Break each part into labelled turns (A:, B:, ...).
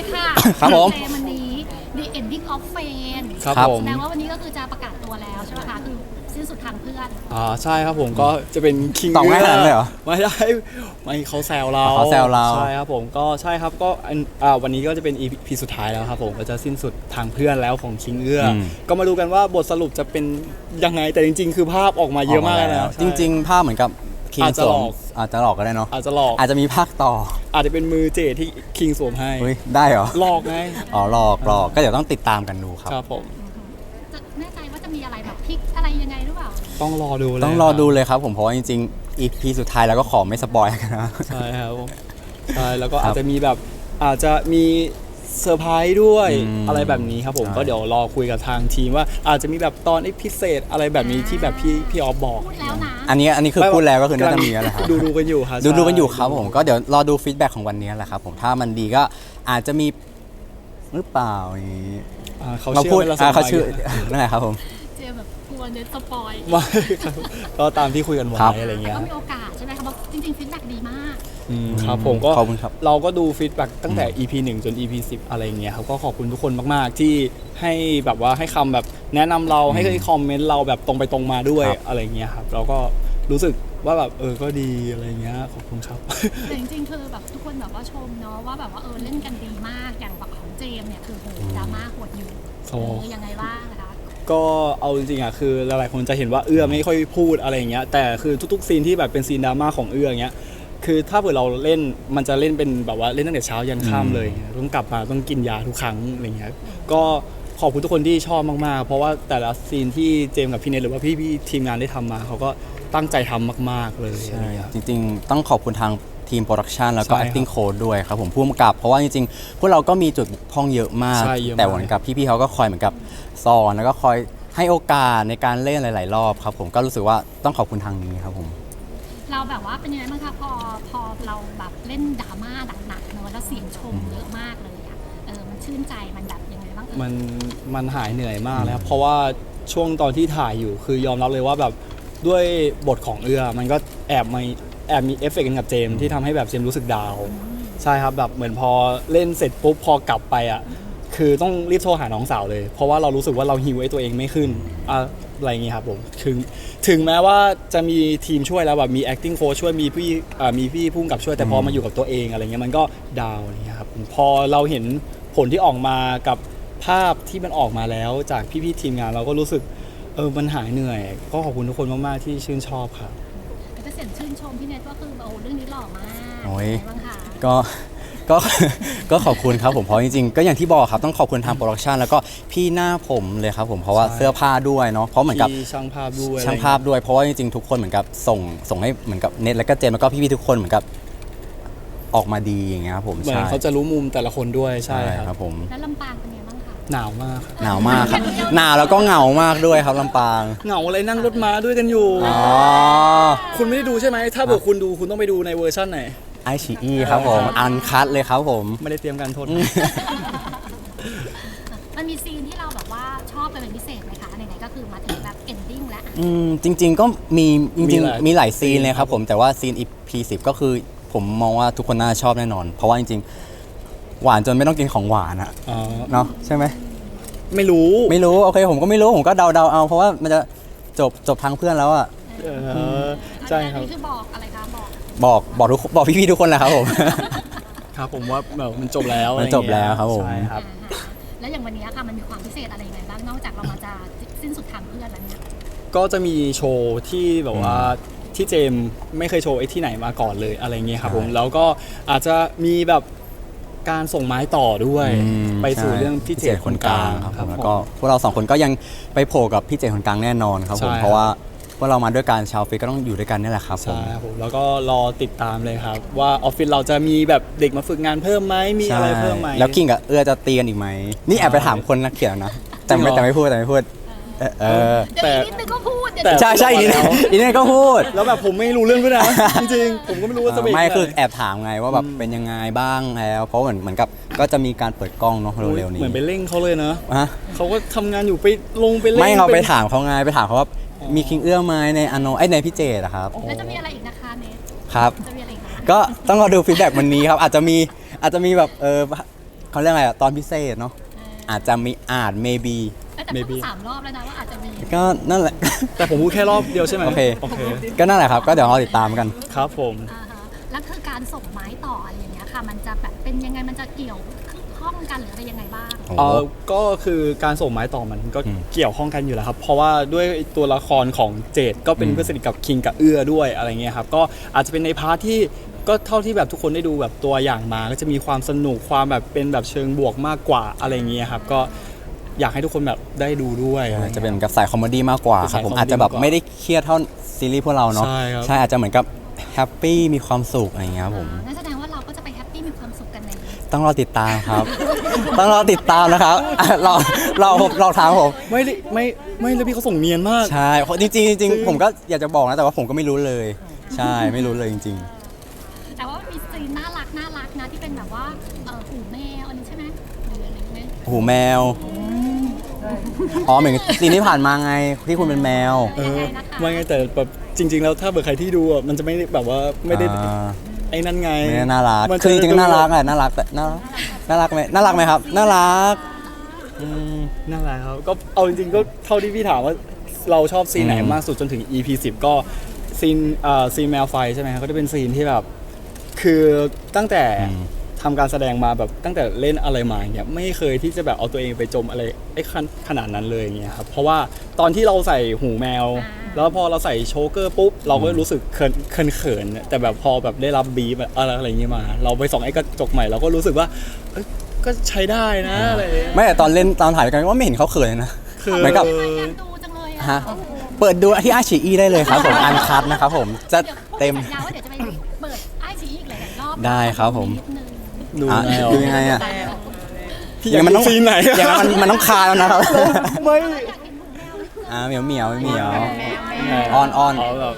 A: ค่ะ
B: ครับผม
A: เจวันนี้ The Ending of Fame
C: ครับผม
A: แสดงว่าวันนี้ก็คือจะประกาศตัวแล้วใช่ไหมคะคือสิ้นสุดทางเพื่อน
C: ใช่ครับผมก็จะเป็นคิง
B: ตอบง่ายขนาดนั้นเลยเหรอ
C: ไม่ได้ไม่เขาแซวเรา
B: เขาแซวเรา
C: ใช่ครับผมก็ใช่ครับก็วันนี้ก็จะเป็น EP สุดท้ายแล้วครับผมก็จะสิ้นสุดทางเพื่อนแล้วของคิงเอื้ออก็มาดูกันว่าบทสรุปจะเป็นยังไงแต่จริง ๆ คือภาพออกมาเยอะมากเลยนะ
B: จริง ๆ ภาพเหมือนกับคิง
C: อาจจะ
B: ส
C: ห
B: ว
C: ล
B: ม
C: อก
B: อาจจะหลอกก็ได้เนาะ
C: อาจจะหลอก
B: อาจจะมีภาคต่อ
C: อาจจะเป็นมือเจดที่คิงสวมให้
B: เฮ้ยได้เหรอ
C: หลอกไง
B: อ๋อหลอกก็เดี๋ยวต้องติดตามกันดูครับ
C: ครับผม
A: จะแน่ใจว่าจะมีอะไรแบบพลิกอะไรยังไงหรือเปล่า
C: ต้องรอดูเลย
B: ต้องรอดูเลยครับผมเพราะว่าจริงๆ EP สุดท้ายแล้วก็ขอไม่สปอยกันนะ
C: ใช่ครับผมใช่แล้วก็
B: ครับ
C: อาจจะมีแบบอาจจะมีเซอร์ไพรส์ด้วย
B: อืม
C: อะไรแบบนี้ครับผม
B: ใช่
C: ก็เดี๋ยวรอคุยกับทางทีมว่าอาจจะมีแบบตอนพิเศษอะไรแบบนี้ที่แบบพี่ออฟบอก
A: พูดแล้วนะ
B: อันนี้คือพูดแล้วก็คือน่าจะมีแล้วแหละครับ
C: ดูกันอยู่ครับ
B: ดูกันอยู่ครับผมก็เดี๋ยวรอดูฟีดแบ็กของวันนี้แหละครับผมถ้ามันดีก็อาจจะมีหรือเปล่าอย่างนี้
C: เขา
B: เรา
C: เชื่
B: พู
C: อ
B: ด
C: ไหมเรา
B: เขาชื่อ
C: สบาย
B: นั่นแหละครับผม
A: เจแบบกลัวเน็ตสปอย
C: ไม่ครับก็ตามที่คุยกันไว้
B: ครับ
C: อะไร
A: แต่
C: เงี้ย
A: ก็มีโอกาสใช่ไหมคะเพราะจริงๆฟีดแบ็กดีมาก
C: ครับผมก็
B: ขอบคุณครับ
C: เราก็ดูฟีดแบ็กตั้งแต่ EP 1 จน EP 10 อะไรเงี้ยครับก็ขอบคุณทุกคนมากๆที่ให้แบบว่าให้คำแบบแนะนำเราให้คอมเมนต์เราแบบตรงไปตรงมาด้วย
B: ครับ
C: อะไรเงี้ยครับเราก็รู้สึกว่าแบบก็ดีอะไรเงี้ยขอบคุณครับ
A: แต่จริงๆคือแบบทุกคนแบบว่าชมเนาะว่าแบบว่าเล่นกันดีมากอย่างแบบของเจมส์เนี่ยคือโหดราม่าโหดอยู่
C: โอ้
A: ยังไงบ้างนะคะ
C: ก็เอาจริงๆคือหลายๆคนจะเห็นว่าเอื้อไม่ค่อยพูดอะไรอย่างเงี้ยแต่คือทุกๆซีนที่แบบเป็นซีนดราม่าของเอื้ออย่างเงี้ยคือถ้าเผื่อเราเล่นมันจะเล่นเป็นแบบว่าเล่นตั้งแต่เช้ายันค่ำเลยต้องกลับมาต้องกินยาทุกครั้งอะไรเงี้ยก็ขอบคุณทุกคนที่ชอบมากๆ เพราะว่าแต่ละซีนที่เจมส์กับพี่เนทหรือว่าพี่ๆทีมงานได้ทำมาเขาก็ตั้งใจทำมากๆเลยอะไรเงี้ย
B: จริงๆ ต้องขอบคุณทางทีมโปรดักชันแล้วก็
C: ใช่ครับ
B: acting coach ด้วยครับผมผู้กำกับ เพราะว่าจริงๆ พวกเราก็มีจุดบกพร่องเยอะมาก
C: ใช่เยอะมาก
B: แต่เหมือนกับพี่ๆเขาก็คอยเหมือนกับสอนแล้วก็คอยให้โอกาสในการเล่นหลายๆรอบครับผมก็รู้สึกว่าต้องขอบคุณทางนี้ครับผม
A: เราแบบว่าเป็นยังไงบ้างคะพอเราแบบเล่นดราม่าหนักๆเนอะแล้วเสียงชมเยอะมากเลยอะมันชื่นใจมันแบบยังไงบ้าง
C: มันหายเหนื่อยมากแล้วครับเพราะว่าช่วงตอนที่ถ่ายอยู่คือยอมรับเลยว่าแบบด้วยบทของเอื้อมันก็แอบมีเอฟเฟกต์กันกับเจมส์ที่ทำให้แบบเจมส์รู้สึกดาวน์ใช่ครับแบบเหมือนพอเล่นเสร็จปุ๊บพอกลับไปอ่ะคือต้องรีบโทรหาน้องสาวเลย เพราะว่าเรารู้สึกว่าเราฮิวไอ้ตัวเองไม่ขึ้นอะไรอย่างงี้ครับผมถึงแม้ว่าจะมีทีมช่วยแล้วแบบมี acting coach ช่วยมีพี่พุ่งกับช่วยแต่พอมาอยู่กับตัวเองอะไรเงี้ยมันก็ดาวน์อะไรเงี้ยครับพอเราเห็นผลที่ออกมากับภาพที่มันออกมาแล้วจากพี่ๆทีมงานเราก็รู้สึกมันหายเหนื่อยก็ขอบคุณทุกคนมากๆที่ชื่นชอบครับ
A: แต่เสียงชื่นชมพี่เนทก็คือแบบเรื่องนี้หล่อมาก
B: โอ้ย
A: เป็นไงบ้างคะ
B: ก็ก็ ก็ขอบคุณครับผมเพราะจริงๆ ก็อย่างที่บอกครับต้องขอบคุณทางโปรดักชันแล้วก็พี่หน้าผมเลยครับผมเพราะว่า
C: ใช่
B: เสื้อผ้าด้วยเนาะเพราะเหมือนกับ
C: ที่ช่างภาพด้วย
B: ช่างภาพด้วยเพราะว่าจริงๆ ทุกคนเหมือนกับส่งให้เหมือนกับเน็ตแล้วก็เจมส์แล้วก็พี่ๆทุกคนเหมือนกับออกมาดีอย่างเงี้ยครับผม
C: เหมือน
B: ใช่
C: เขาจะรู้มุมแต่ละคนด้วยใช่
B: ใช่
C: ค
B: ค
C: รั
B: รั
C: บบ
B: ผม
A: แล้วลำปางเป็นไงบ้างคะ
C: หนาวมากครับ
B: หนาวมากครับหนาวแล้วก็เหงามากด้วยครับลำปาง
C: เหงาอะไรนั่งรถม้าด้วยกันอยู่
B: อ๋อ
C: คุณไม่ได้ดูใช่ไหมถ้าเกิดคุณดูคุณต้องไปดูในเวอร์ชั่นไหน
B: ไอชีอีครับผมอันคัดเลยครับผม
C: ไม่ได้เตรียมการโทษ
A: มันมีซีนที่เราแบบว่าชอบเป็นพิเศษไหมคะไหนๆก็คือมาถึงแบบ ending แล้ว
B: จริง ๆ ก็มีจ
C: มี
B: ริง
C: หลาย
B: ๆมีหลายซีนเลยครับ
C: ซีนครับ
B: ผมแต่ว่าซีน EP 10ก็คือผมมองว่าทุกคนน่าจะชอบแน่นอน เพราะว่าจริงๆ หวานจนไม่ต้องกินของหวานอะ
C: อ๋อ
B: เนาะใช่ไหม
C: ไม่รู้
B: ไม่รู้โอเคผมก็ไม่รู้ผมก็เดาเอาเพราะว่ามันจะจบทางเพื่อนแล้วอะ
C: ใช่ครับ
A: อันนี้คือบอกอะไรคะบอก
B: บอกพี่ๆทุกคนแหละครับผม
C: ครับผมว่าแบบมันจบแล้ว
B: มันจบแล้วครับผม
C: ใช่ครับ
A: แล้วอย่างวันนี้ค่ะมันมีความพิเศษอะไรยังไงบ้างนอกจากเรามาจะสิ้นสุดทางเพื่อนแล้วเนี่ย
C: ก็จะมีโชว์ที่แบบว่าที่เจมส์ไม่เคยโชว์ไอ้ที่ไหนมาก่อนเลยอะไรเงี้ยครับผมแล้วก็อาจจะมีแบบการส่งไม้ต่อด้วย ไปสู่เรื่องพี่เจตคนกลาง
B: ครับ
C: ค
B: ผ
C: รับ
B: ม
C: ผม
B: แล้วก็พวกเราสองคนก็ยังไปโผล่กับพี่เจคนกลางแน่นอนครับผม
C: ใช่
B: เพราะว่าพวกเรามาด้วยกันชาวฟิกก็ต้องอยู่ด้วยกันนี่แหละครับผม
C: ใช่ครับผมแล้วก็รอติดตามเลยครับ ว่าออฟฟิศเราจะมีแบบเด็กมาฝึกงานเพิ่มไหมมีอะไรเพิ่มไหม
B: แล้วคิงกับเอื้อจะตีกันอีกไหมนี่แอบไปถามคนนักเขียนนะแต่
C: จริงเหรอ
B: แต่ไม่พูดเออ
A: เดี๋ยวอีกนิดนึงก็พูดเดี๋ยว
C: แต่
B: ใช่อีนี่ก็พูด
C: แล้วแบบผมไม่รู้เรื่องด้วยนะ จริงๆผมก็ไม่รู้ว่าจะเป็น
B: ไม่คือ
C: ยังง
B: แอบถามไงว่าแบบเป็นยังไงบ้างแล้วเพราะเหมือนกับก็จะมีการเปิดกล้องเนาะเร็วๆนี้
C: เหมือนไปเร่งเขาเลยนะ
B: ฮะ
C: เขาก็ทำงานอยู่ไปลงไปเร่ง
B: ไม่เราไป
C: เป็น
B: ถามเขาไงไปถามเขาว่ามีคิงเอื้อไหมในอโนในพี่เจดอะครับ
A: แล้วจะมีอะไรอีกนะคะเนท
B: ครับ
A: จะมีอะไรอีกนะ
B: ก็ต้องรอดูฟีดแบ็กวันนี้ครับอาจจะมีแบบเขาเรียกอะไรอะตอนพิเศษเนาะอาจจะมีmaybe
A: แต่พูดมา3 รอบแล้วนะว่าอาจจะมี
B: ก็นั่นแหละ
C: แต่ผมพูดแค่รอบเดียวใช่ไหม
B: โอเค
C: โอเค
B: ก็นั่นแหละครับ ก็เดี๋ยวเราติดตามกัน
C: ครับผม
A: อ่าฮะแล้วคือการส่งไม้ต่ออะไรอย่างเงี้ยค่ะ มันจะแบบเป็นยังไงมันจะเกี่ยวข้องกันหรืออะไรยังไงบ้าง
B: โอ้โห
C: ก็คือการส่งไม้ต่อมันก็
B: อืม
C: เกี่ยวข้องกันอยู่แล้วครับ เพราะว่าด้วยตัวละครของเจดก็เป็นเพื่อนสนิทกับคิงกับเอื้อด้วยอะไรเงี้ยครับก็อาจจะเป็นในพาร์ทที่ก็เท่าที่แบบทุกคนได้ดูแบบตัวอย่างมา ก็จะมีความสนุกความแบบเป็นแบบเชิงบวกมากกว่าอะไรเงี้ยครับก็อยากให้ทุกคนแบบได้ดูด้วยอไรงี้ย
B: จะเป็นเหมือนกับสายคอมเมดี้มากกว่าครับผม
C: เป็นสายคอมเมดี้
B: อาจจะแบบ
C: มากกว่า
B: ไม่ได้เครียดเท่าซีรีส์พวกเราเนาะ
C: ใช่ครับ
B: อาจจะเหมือนกับแฮปปี้มีความสุขอะไรอย่างเงี้ยครับผม
A: นั่นแสดงว่าเราก็จะไปแฮปปี้มีความสุขกันใน
B: ต้องรอติดตามครับ ต้องรอติดตามนะครับ อ่ะเราถามผม
C: ไม่ได้ไม่แล้วพี่เขาส่งเนียนมาก
B: ใช่จริงๆจริงๆผมก็อยากจะบอกนะแต่ว่าผมก็ไม่รู้เลย ใช่ไม่รู้เลยจริง
A: แต่ว่ามีซีนน่ารักนะที่เป็นแบบว่าหูแมวอันนี้ใช่ไหมหรืออะไรไหม
B: ๆหูแมวอ๋อเหมือนซีนที่ผ่านมาไงที่คุณเป็นแมว
C: ไม่ไงแต่แบบจริง ๆ แล้วถ้าเบอร์ใครที่ดูอ่ะมันจะไม่ได้แบบว่าไม่ได้
B: อ่า
C: ไอ้นั่นไง
B: ไม่ได้น่ารัก
C: มันจะ
B: คือจริงๆก็น่ารักแหละน่ารักแต่น่ารักไหมน่ารักไหมครับน่ารักอืม
C: นั่นแหละครับก็เอาจริงๆก็เท่าที่พี่ถามว่าเราชอบซีนไหน
B: อืม
C: มากสุดจนถึง EP 10 ก็ซีนแมวไฟใช่ไหมครับก็จะเป็นซีนที่แบบคือตั้งแต่ทำการแสดงมาแบบตั้งแต่เล่นอะไรมาอย่างเงี้ยไม่เคยที่จะแบบเอาตัวเองไปจมอะไรไอ้ขนาดนั้นเลยอย่างเงี้ยครับเพราะว่าตอนที่เราใส่หูแมว แล้วพอเราใส่โชเกอร์ปุ๊บเราก็รู้สึกเขินๆแต่แบบพอแบบได้รับบีบอะไรอย่างเงี้ยมา เราไปส่องไอ้กระจกใหม่เราก็รู้สึกว่าเอ้ยก็ใช้ได้นะอะไรอย่างเงี้ย
B: ไม่แต่ตอนเล่นตอนถ่ายด้วยกันก็ไม่เห็นเขาเขินเลยนะ
C: คือ
B: เหมือนกับ
A: อยากดูจังเลยอะ
B: ฮะเปิดดูที่อาชีอีได้เลยครับผมอันคัดนะครับผมจะ
A: เดี๋ยวพวก
B: เต็ม
A: สัญญาว่าเดี๋ยวจะไปเปิดไอซีอีกหลายๆรอบ
B: ได้ครับผม
A: นิดนึง
C: ดู
B: อ่ะ
C: แมว
B: ดูยังไงอ่ะ
C: พี่อยากดูซีนไหน
B: อย่างนั้นมันต้องคาแล้วนะครับ
C: ไม่
B: เหมียว
C: แมว
B: อ้อน
C: แบบ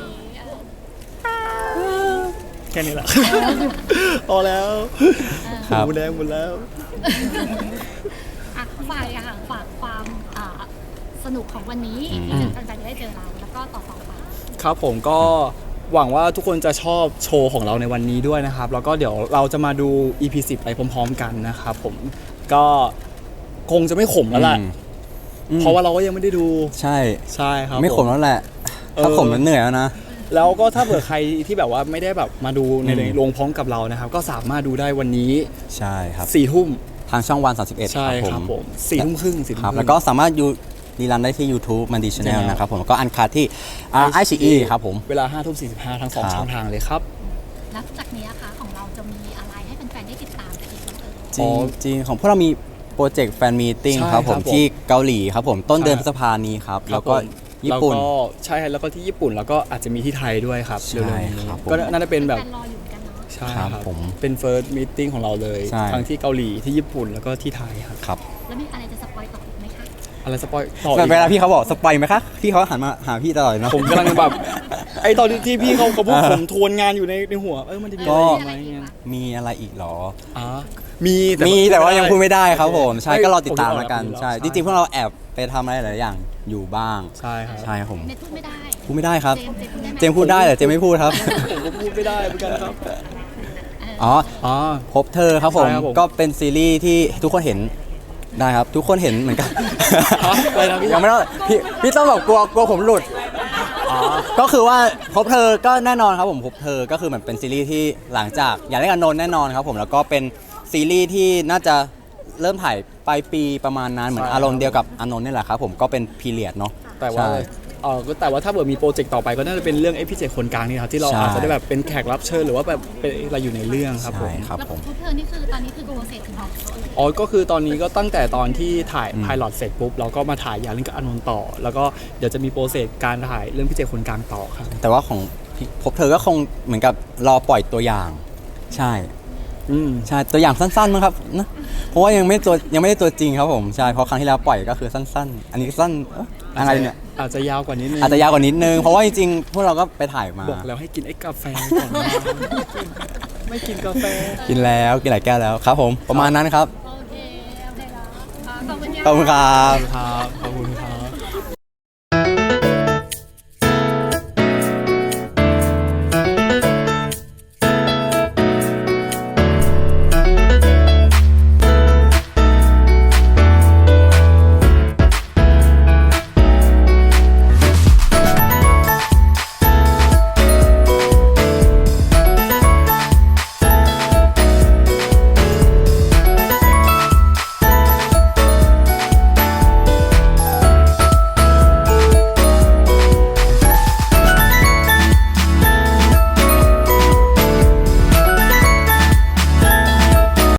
C: แค่นี้แหละพอแล้ว
B: ครับ
C: หูแดงหมดแล้ว
A: อ่ะฝากความสนุกของวันนี้
B: อืม
A: ที่แฟนๆจะได้เจอเราแล้วก็ต่อไป
C: ครับผมก็หวังว่าทุกคนจะชอบโชว์ของเราในวันนี้ด้วยนะครับ แล้วก็เดี๋ยวเราจะมาดู EP 10 ไปพร้อมๆกันนะครับผมก็คงจะไม่ขมแล้วแหละ
B: อืม
C: เพราะว่าเราก็ยังไม่ได้ดู
B: ใช่
C: ใช่ครับ
B: ไม่ขมแล้วแหละ ถ้าขมมันเหนื่อยแล้วนะ
C: แล้วก็ถ้าเผื่อใครที่แบบว่าไม่ได้แบบมาดูใน
B: อืม
C: โรงพร้อมกับเรานะครับ ก็สามารถดูได้วันนี้
B: ใช่ครับ
C: 4 ทุ่ม
B: ทางช่องวัน31
C: ใช่ครับผม4 ทุ่มครึ่ง4 ทุ่ม
B: ครับ
C: ครึ่ง
B: แล้วก็สามารถดูรีรันได้ที่ YouTube มันดีชแนล
C: Channel
B: นะครับผมแล้วก็อันคัดที่ไอชีอีครับผม
C: เวลา 5 ทุ่ม 45 ทั้ง
B: ครับ
C: 2 ช่องทางเลยครับ
A: แล้วจากนี้นะคะของเราจะมีอะไรให้แฟนๆได้ติดตามกันอีกบ้างเอ่ย
B: จริงจริงของพวกเรามีโปรเจกต์แฟนมีติ้ง
C: ใช่
B: ครับผม
C: ครับผม
B: ที่เกาหลีครับผมต้นเดือน
C: ใช่
B: พฤษภานี้ครับ
C: ครั
B: แล้
C: บ
B: วก็
C: ผม
B: ญี่ปุ่น
C: แล้วก็ใช่แล้วก็ที่ญี่ปุ่นแล้วก็อาจจะมีที่ไทยด้วยครับ
B: ใช่
C: เร็วๆนี้
B: ครับผม
C: ก็น่าจะเป็นแบบ
A: แฟนรออยู่เหมือนกันเนาะ
C: ใช่
B: ครับ
C: ครับ
B: ผม
C: เป็น first meeting ของเราเลย
B: ใช่
C: ทั้งที่เกาหลีที่ญี่ปุ่นแล้วก็ที่ไทยครับ
B: ครับ
A: แล้วมีอะไรจะสปอยต่ออีกไหมคะ
C: อะไรสปอยต่ออีก
B: เวลาพี่เขาบอกสปอยไหมคะพี่เขาหันมาหาพี่ตลอดเลยเนาะ
C: ผมกำลังแบบไอตอนที่พี่เขาพูดผมทวนงานอยู่ในหัวมันจะมีอะไรอีกไหมเงี้ย
B: มีอะไรอีกเหรอ
C: อ๋อมี
B: แต่ว่ายังพูดไม่ได้ครับผมใช่
C: ไม่
B: ก็รอติดตามแล้วกัน
C: ผม
B: ใช่
C: ใช่
B: จริงๆพวกเราแอบไปทำอะไรหลายอย่างอยู่บ้าง
C: ใช่ครับ
B: ใช่ครับผม
A: เน็ตพูดไม่ได้
B: พูดไม่ได้ครับ
A: เจมส์พูดได้ไหม
B: เจมส์พูดได้แต่เจมส์ไม่พูดครับ
C: ผมก็พูดไม่ได้เหมือนกันครับ
B: อ๋อ
C: อ๋อ
B: พบเธอครับผม
C: ใช่ครับผม
B: ก็เป็นซีรีส์ที่ทุกคนเห็นได้ครับ ทุกคนเห็นเหมือนกัน
C: อะไรนะพี่
B: ยังไม่ต้องพี่ต้องแบบกลัวผมหลุด
C: อ๋อ
B: ก็คือว่าพบเธอก็แน่นอนครับผมพบเธอก็คือเหมือนเป็นซีรีส์ที่หลังจากอยากได้กับนนท์แน่นอนครับผมแล้วก็เป็นซีรีส์ที่น่าจะเริ่มถ่ายปลายปีประมาณนั้นเหมือนอารมณ์เดียวกับอานนท์นี่แหละครับผมก็เป็นพีเรียดเนาะ
C: แต่ว่า
B: ใช่
C: แต่ว่าถ้าเกิดมีโปรเจกต์ต่อไปก็น่าจะเป็นเรื่องไอ้พี่เจคนกลางนี่ครับที่เรา
B: ใช่
C: อาจจะได้แบบเป็นแขกรับเชิญหรือว่าแบบเป็นอะไรอยู่ในเรื่องครับผ
B: ใช่
C: ม
B: ครับ
A: แล้ว
B: ผม
A: พวกเธอนี่คือตอนนี้คือโปรเซสถึงของเขาเลย
C: อ๋อก็คือตอนนี้ก็ตั้งแต่ตอนที่ถ่าย
B: อืม
C: ไพลอตเสร็จปุ๊บเราก็มาถ่ายยาเรื่องกับอานนท์ต่อ แล้วก็เดี๋ยวจะมีโปรเซสการถ่ายเรื่องพี่เจคนกลางต่อครับ
B: แต่ว่าของพบเธอก็คงเหมือนกับรอปล่อยตัวอย่าง ใช่
C: อืม
B: ใช่ตัวอย่างสั้นๆมั้งครับนะเพราะว่ายังไม่ได้ตัวจริงครับผมใช่เพราะครั้งที่แล้วปล่อยก็คือสั้นๆ อันนี้สั้นอะไรเนี่ย
C: อาจจะยาวกว่านี้นึง
B: อาจจะยาวกว่านิดนึงเพราะว่าจริงๆพวกเราก็ไปถ่ายมา
C: บอกแล้วให้กินไอ้กาแฟก่อนนะไม่กินกาแฟ
B: กินแล้วกินหลายแก้วแล้วครับผมประมาณนั้นครับ
A: โอเคแล้วขอบคุณ
B: ขอบคุณครับ
C: ครับขอบคุณครับ